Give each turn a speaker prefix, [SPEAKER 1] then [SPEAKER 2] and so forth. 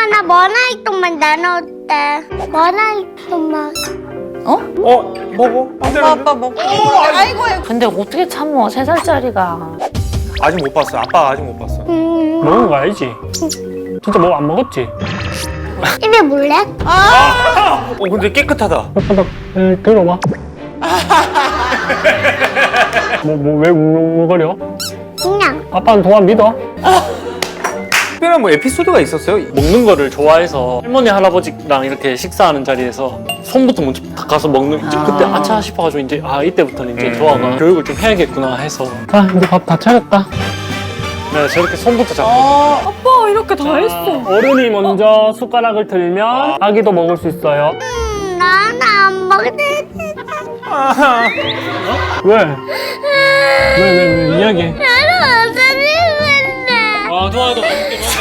[SPEAKER 1] 아빠 나 머나이똥만 나눠올때 머나이똥만.
[SPEAKER 2] 먹어.
[SPEAKER 3] 아빠 먹고. 아이고.
[SPEAKER 4] 근데 어떻게 참어 3살짜리가.
[SPEAKER 2] 아직 못 봤어. 아빠 아직 못 봤어.
[SPEAKER 5] 먹은 거 알지? 진짜 뭐 안 먹었지?
[SPEAKER 1] 입에 물래?
[SPEAKER 2] 근데 깨끗하다.
[SPEAKER 5] 바닥 들어봐. 왜 웅웅거려?
[SPEAKER 1] 그냥.
[SPEAKER 5] 아빠는 동안 믿어.
[SPEAKER 2] 특별한 뭐 에피소드가 있었어요?
[SPEAKER 5] 먹는 거를 좋아해서 할머니 할아버지랑 이렇게 식사하는 자리에서 손부터 먼저 닦아서 먹는 이제 그때 아차 싶어가지고 이제 이때부터는 이제 조아가 교육을 좀 해야겠구나 해서 이제 밥 다 차렸다. 내가 저렇게 손부터 잡고
[SPEAKER 3] 아빠 이렇게 다 했어.
[SPEAKER 5] 어른이 먼저 숟가락을 들면 아기도 먹을 수 있어요.
[SPEAKER 1] 나는 안 먹는데.
[SPEAKER 5] 왜 이야기해.
[SPEAKER 1] 나는 안 먹는데.
[SPEAKER 5] 도와도 맛있게